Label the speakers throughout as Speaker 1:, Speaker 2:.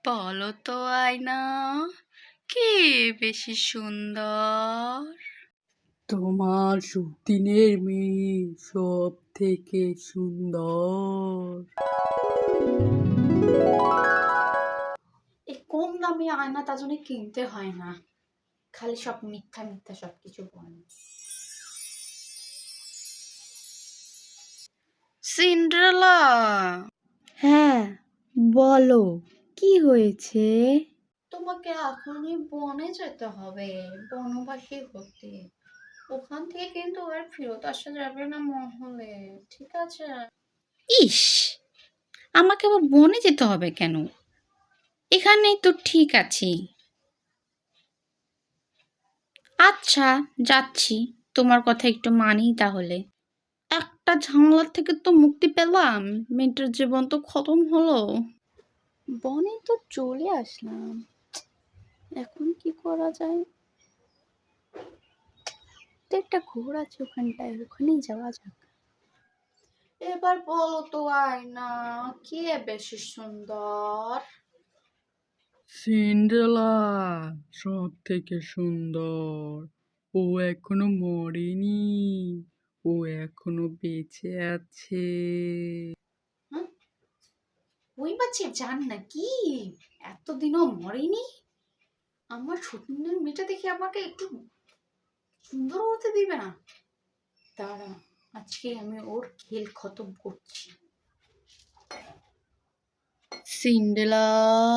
Speaker 1: বলো তো আয়না, কে বেশি সুন্দর?
Speaker 2: তোমার সতীনের মেয়ে সব থেকে সুন্দর।
Speaker 3: এই কম দামি আয়না তার জন্য কিনতে হয় না, খালি সব মিথ্যা মিথ্যা সবকিছু বলে।
Speaker 1: সিন্ড্রেলা,
Speaker 2: হ্যাঁ, বলো কি হয়েছে?
Speaker 3: তোমাকে এখনই বনে যেতে হবে, বনবাসী হতে। ওখান থেকে কিন্তু আর ফেরত আসা যাবে না মহলে, ঠিক আছে?
Speaker 1: ইস, আমাকে আবার বনে যেতে হবে কেন? এখানেই তো ঠিক আছি। আচ্ছা, যাচ্ছি। তোমার কথা একটু মানি তাহলে। একটা ঝামেলার থেকে তো মুক্তি পেলাম, মেয়েটার জীবন তো খতম হলো।
Speaker 3: বনে তো চলে আসলাম, এখন কি করা যায়? তো একটা ঘোর আছে ওখানটায়, ওখানেই যাওয়া যাক। এবার বলো তো আয়না, কে বেশি সুন্দর?
Speaker 2: সিন্ড্রেলা সব থেকে সুন্দর। ও এখনো মরেনি, ও এখনো বেঁচে আছে।
Speaker 3: হ্যাঁ, ওই বাচ্চা জান নাকি এতদিনও মরেনি? আমার সতীনের মেয়েটা দেখে আমাকে একটু সুন্দর হতে দিবে না? দাঁড়া, আজকে আমি ওর খেল খতম করছি।
Speaker 1: সিন্ড্রেলা,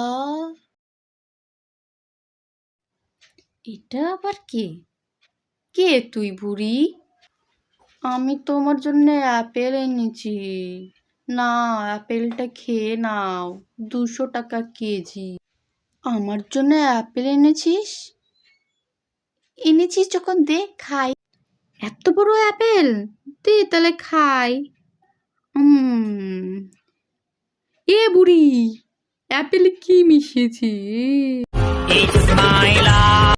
Speaker 1: এটা আবার কে? কে তুই বুড়ি? আমি তোমার জন্য অ্যাপেল এনেছি, না অ্যাপেলটা খেয়ে নাও, 200 টাকা কেজি। আমার জন্য অ্যাপেল এনেছিস? এনেছিস যখন দে খাই। এত বড় অ্যাপেল, দে তাহলে খাই।
Speaker 2: এ বুড়ি, অ্যাপেলে কি মিশিয়েছি?